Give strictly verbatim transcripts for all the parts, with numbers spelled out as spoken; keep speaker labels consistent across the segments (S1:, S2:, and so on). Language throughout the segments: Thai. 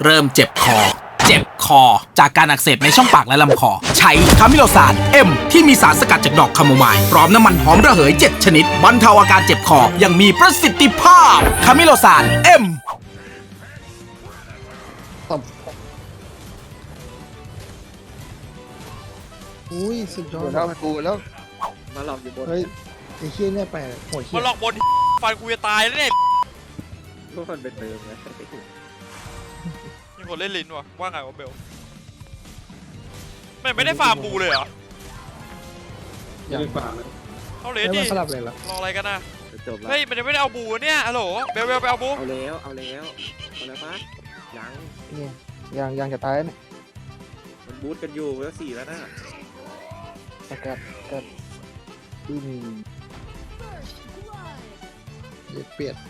S1: เริ่มเจ็บคอเจ็บคอจากการอักเสบในช่องปากและลำคอใช้คามิโลซานเอ็มที่มีสารสกัดจากดอกคาโมไมล์พร้อมน้ำมันหอมระเหยเจ็ดชนิดบรรเทาอาการเจ็บคออย่างมีประสิทธิภาพคามิโลซานเอ็ม
S2: อุ้ยสุดยอด
S3: แล้วกูแล้วมาหลอกอยู่บน
S2: เฮ้ยไอ้เชี่ยเนี่ยแปลกโหดเชี่
S4: มาย หลอกบนฟันกูจะตายแล้วเนี่ย
S3: พวกมันเป็นเติมนะ
S4: มีคนเล่นลิ้นวะว่าไงวะเบลไม่ไม่ได้ฟาร์มบูเลยเหรอ
S2: อย่าง
S4: เขาเล
S2: ไม่
S4: สดิ
S2: มาสลับเลยเหรอ
S4: รออะไรกันนะ
S3: จะจบแล้ว
S4: เฮ้ยมันยังไม่ได้เอาบูเนี่ยฮัลโหลเบลเบลไปเอาบู
S3: เอาแล้วเอาแล้วเอาแล้วปะยัง
S2: นี่ยังยังจะตายเนี่ย
S3: มันบูทกันอยู่แล้วสี่แล้วนะ
S2: สกัดกัดอืมเย็ดเปียด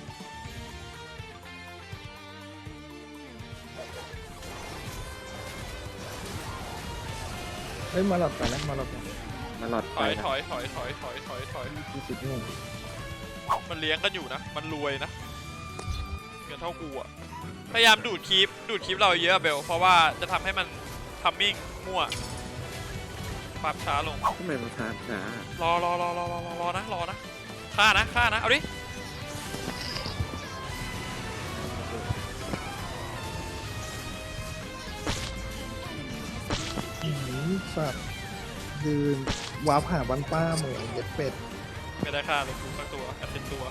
S2: เฮ้ยมาหลับกันนะมาหลับกัน
S3: มาหลอด
S4: ถ
S3: ไป
S4: อย
S3: นะ
S4: ถอยถอยถอยถอยถอยถอย
S2: ยี่สิบหนึ่ง
S4: มันเลี้ยงกันอยู่นะมันรวยนะเงินเท่ากูอะพยายามดูดคลิปดูดคลิปเราเยอะเบลเพราะว่าจะทำให้มันทัมมิ่งมั่วปรับช้าลง
S3: ทำไมมันช้าช้าร
S4: อรอรอรอรอรอรอนะรอนะฆ่านะฆ่านะเอาดิ
S2: อื้อหือสัตว์ยืนวาร์ปหาบันป้าเหมือนเย็ดเป็ด
S4: ไม่ได้ฆ่าเลยกูสักตัวแอดเป็นตัว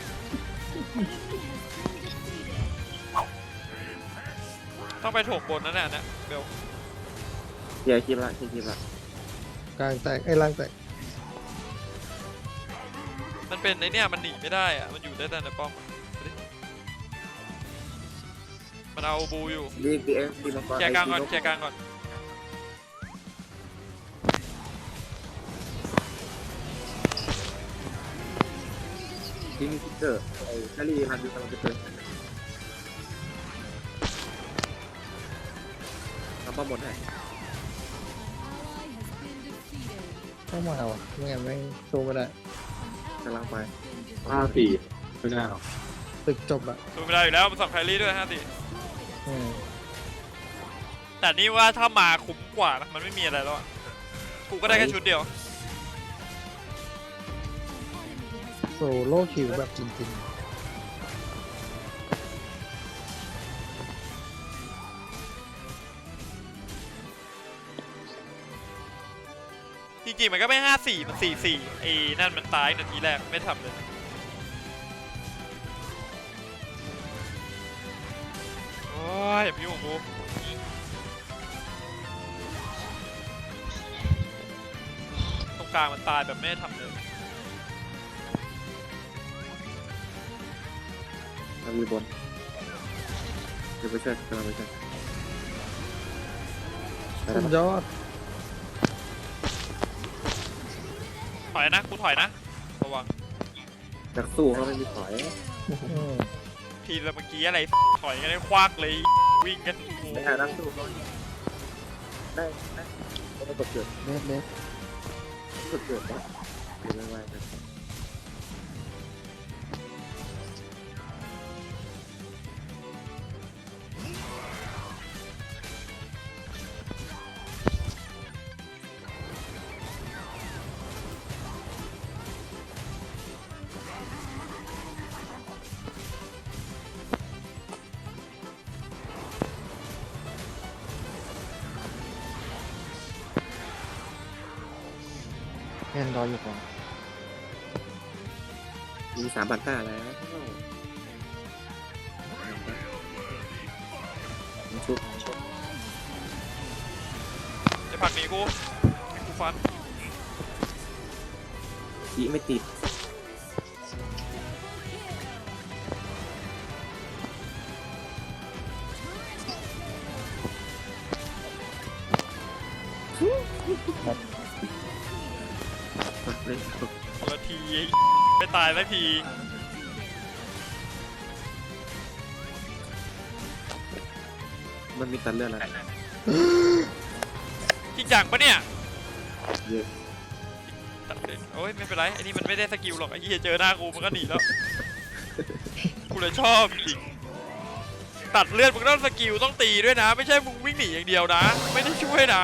S4: ต้องไปโถกบนนั่นแหละเนี่ยเบล
S3: เดี๋ยวคลิปละคลิปคลิปละ
S2: กลางแตกไอ้ล่างแตก
S4: มันเป็นไอเนี่ยมันหนีไม่ได้อะมันอยู่ได้แต่ในป้อมอะเอาดิมันเอาบูอยู่
S3: ดีดีเอ็มดีมังกร
S4: แชร์กลางก่อนแชร์กลางก่อน
S3: ที่มีพิกเกอร์ไอ้ชาลีมันดูกำลังจะเกิดทำป้อมบนให้
S2: ต้องมาว่ะไม่งั้นไม่สู้ไม่ได้
S3: กำลังไป
S5: ห้าสี่ไม่น่าหรอก
S2: ตึกจบอะ
S4: ดูไม่ได้อยู่แล้วมันสับไคลี่ด้วยฮะสิ
S2: อืม
S4: แต่นี่ว่าถ้ามาคุ้มกว่านะมันไม่มีอะไรแล้วอะกูก็ได้แค่ชุดเดียว
S2: โซโล่คิวแบบจริง
S4: จริงๆมันก็ไม่ห้าสี่มันสี่สี่ไอ้นั่นมันตายนาทีแรกไม่ทำเลยโอ้ยอย่าพิ้วของกูตรงกลางมันตายแบบไม่ทำเลย
S3: ทำอยู่บนเดี๋ยวไปช่วยกำลังไปช่วยไป
S2: ๆ
S3: แล้
S2: สุ
S3: ว
S2: ดยอด
S4: ถอยนะกูถอยนะระวัง
S3: จากสู้เขาไม่มีถอย
S2: อืม
S4: ทีละเมื่อกี้อะไรถอยกันได้ควักเลยวิ่งกันโอ้โห
S3: ได้นั่งสู้เขาได้ได้เขาไม่กดเกิด
S2: เล็ดเล็ด
S3: กดเกิดนะเดี๋ยวไม่ไหวนะ
S2: แอนรออยู่ก่อน
S3: มีสามพันห้าแล้วชุบ
S4: จะผลักหนีกูให้กูฟัน
S3: อีไม่ติดเล่น
S4: คนละทีไม่ตายสักที
S3: มันมีตันเลือดแล้ว
S4: จริงจังปะเนี่ย
S3: เยอะ
S4: ตัดเลยโอ้ยไม่เป็นไรไอ้นี่มันไม่ได้สกิลหรอกไอ้เหี้ยเจอหน้ากูมันก็หนีแล้ว กูเลยชอบจริงตัดเลือดมึงต้องสกิลต้องตีด้วยนะ ไม่ใช่มึงวิ่งหนีอย่างเดียวนะ ไม่ได้ช่วยนะ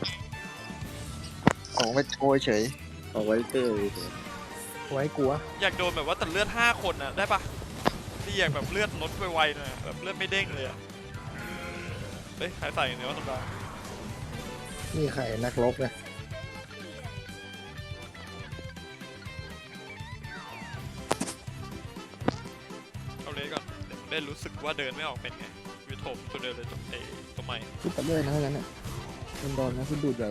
S6: ของไปโชยเฉย
S3: เอาไว้เตอร์
S2: ไว้กลัว
S4: อยากโดนแบบว่าตัดเลือดห้าคนน่ะได้ปะที่อยากแบบเลือดลดไวๆหน่อยแบบเลือดไม่เด้งเลยอะเฮ้ยใครใส่อย่างเดียวธรรมดา
S2: นี่ใครนักรบไง
S4: เอาเลยก่อนได้รู้สึกว่าเดินไม่ออกเป็นไงวิโถมตัวเดินเลยตัวเอตัวใหม่
S2: คิดแต่เลยนะทั้งนั้นอ่ะมันโดนนะคุณดูดใหญ่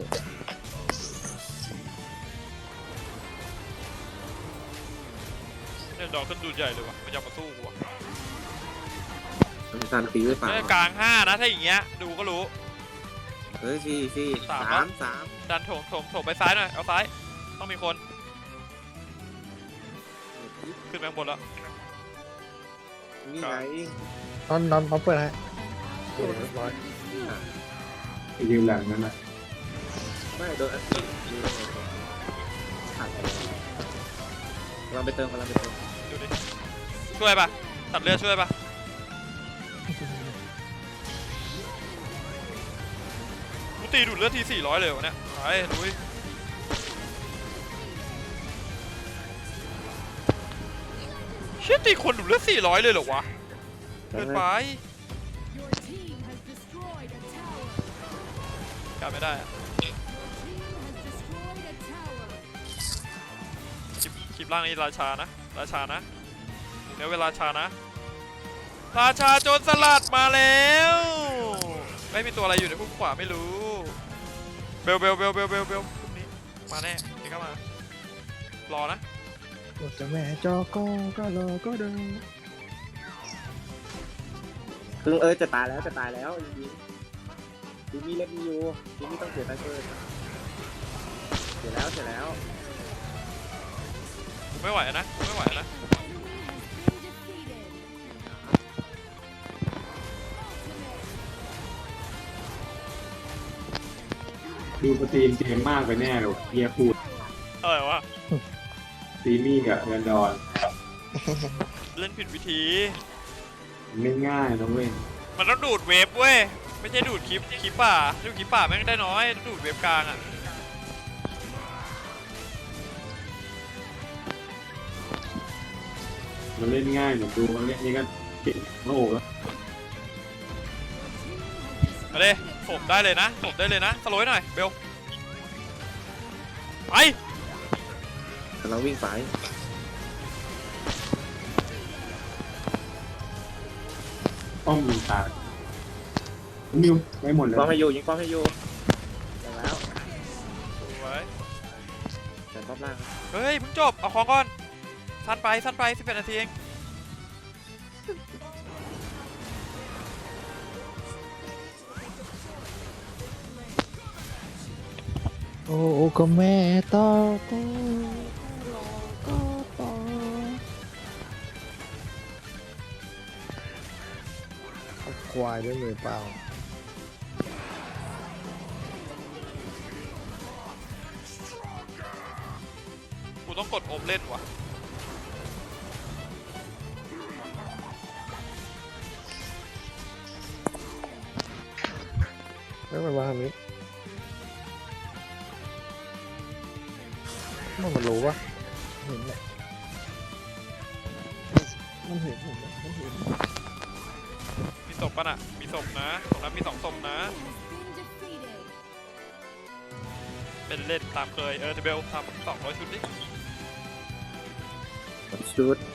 S4: เนี่ยดอกขึ้นดูใหญ่เลยว่ะมันจะมาสู้กูว่ะ
S3: มันการตีไว้เปล่า
S4: เนี่ยกลางห้านะถ้าอย่างเงี้ยดูก็รู้
S3: เฮ้ยสี่สี่
S4: สาม
S3: สามสาม
S4: ดันโถมโถมโถมไปซ้ายหน่อยเอาซ้ายต้องมีคนขึ้นไปข้างบนแล้ว
S3: นี่ไง
S2: นอนนอนเขาเปิดให้โอ้ยเรียบร้อย
S5: ไปยืมหลังนั้นน่ะ
S3: ไม่โดนอัดตีดูได้ไงขาดไปกำลังไปเติมกำลังไปเติม
S4: ดูดิช่วยปะตัดเลือดช่วยปะกูตีดูดเลือดทีสี่ร้อยเลยวะเนี่ยไปลุยเชี่ยตีคนดูดเลือดสี่ร้อยเลยเหรอวะเกินไปกลับไม่ได้อะคลิปคลิปล่างนี้ราชานะราชานะเดี๋ยวเวลาชานะราชาโจรสลัดมาแล้วไม่มีตัวอะไรอยู่ในพุ่มขวาไม่รู้เบลเบลเบลเบลเบลเบลพวกนี้มาแน่เดี๋ยวก็มารอนะ
S2: โอ้จะแม่จอก็ก็รอก็เดิน
S3: คือเออจะตายแล้วจะตายแล้วจริงๆทีนี้เล่นมีอยู่ทีนี้ต้องเสียไซเฟอร์เสียแล้วเสียแล้ว
S4: กูไม่ไหวนะกูไม่ไหวนะ
S5: ดูสตรีมเกมมากไปแน่เลยเฮียพูด
S4: อะไรวะ
S5: สตรีมมี่กับเงินดอน
S4: เล่นผิดวิธี
S5: ไม่ง่ายนะเว้ย
S4: มันต้องดูดเวฟเว้ยไม่ใช่ดูดคลิปคลิปป่าดูดคลิปป่าแม่งได้น้อยต้องดูดเวฟกลางอ่ะ
S5: มันเล่นง่ายเหมือนดูมันเล่นนี่ก็เก่งโอ้โหแล้ว
S4: มาเลยผมได้เลยนะผมได้เลยนะสโลว์หน่อยเบลไป
S3: แต่เราวิ่งไป
S5: ป้อมยิงตายมิวไม่หมดเลย
S3: ป้อมให้อยู่ยิงป้อมให้อยู่ได้แล้ว
S4: สวย
S3: แต่ป้อมล่าง
S4: เฮ้ยเพิ่งจบเอาของก่อนสั้นไปสั้นไปสิบแปดนาทีเอง
S2: โอ้ก็แม่ต่อก็รอก็ต่อเอาควายด้วยมือเปล่า
S4: กูต้องกดโอมเล่นว่ะ
S2: ไม่มันมาทางนี้มันมันรู้ปะเห็นแหละมันเห็นเห็นมันเห็น
S4: มีศพป่ะน่ะมีศพนะตรงนั้นมีสองศพนะเป็นเล่นตามเคยเออเบลทำสองร้อยชุดดิ
S3: ชุด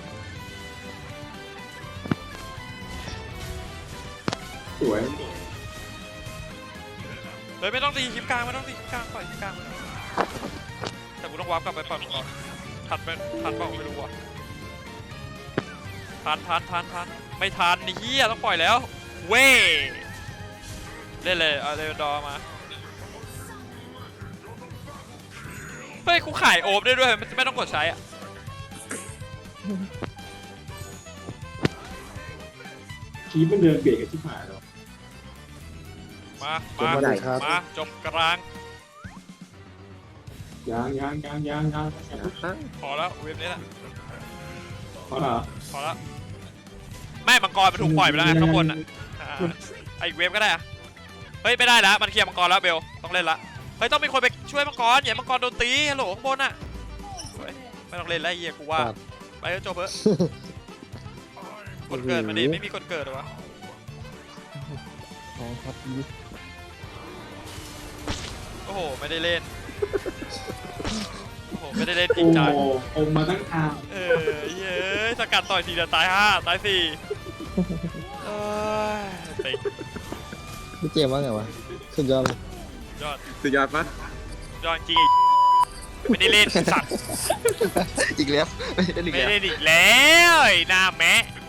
S5: สวย
S4: เฮ้ยไม่ต้องตีคลิปกลางไม่ต้องตีคลิปกลางปล่อยคลิปกลางแต่กูต้องวาร์ปกลับไปปล่อยมันก่อนทันไหมทันเปล่าไม่รู้อ่ะทันทันทันทันไม่ทันนี่เฮียต้องปล่อยแล้วเว้ยเล่นเลยเอาเรนดอร์มาเฮ้ยกูขายโอมได้ด้วยไม่ไม่ต้องกดใช้อ่ะ
S5: คีบมันเดินเบียดกับที่ผ่านหรอ
S4: มามามาจบกลาง
S5: ยางยางยางยางยาง
S3: นะ
S4: พอแล้วเว็บนี้แหละ
S5: เพราะเหรอ
S4: พอแล้วแม่มังกรมันถูกปล่อยไปแล้วไงข้างบนอ่ะไออีกเวฟก็ได้อะเฮ้ยไม่ได้แล้วมันเคลียร์มังกรแล้วเบลต้องเล่นละเฮ้ยต้องมีคนไปช่วยมังกรอย่ามังกรโดนตีฮัลโหลข้างบนอ่ะเฮ้ยไม่ต้องเล่นแล้วไอ้เหี้ยกูว่าไปแล้วจบเถอะกดเกิดมาดิไม่มีกดเกิดหรอวะ
S2: อ๋อครับ
S4: โอ้โหไม่ได้เล่นโอ้โหไม่ได้เล่นจริ
S5: โอ้
S4: งจัง
S5: โหอมมาตั้งนาน
S4: เออเย้ยสกัดต่อยสี่เดือนตายห้าตายสี่เอ้ยเต็ง
S2: พี่เจมส์ว่าไงวะสุดยอดเลย
S4: ยอด
S3: สุดยอดปะ
S4: ยอดจริงไอ้ไม่ได้เล่นสัตว์
S2: อีกแล้วไม่ได้อีก
S4: ไม่
S2: แล้ว
S4: ได้เล่นอีกแล้วไอ้หน้าแมะ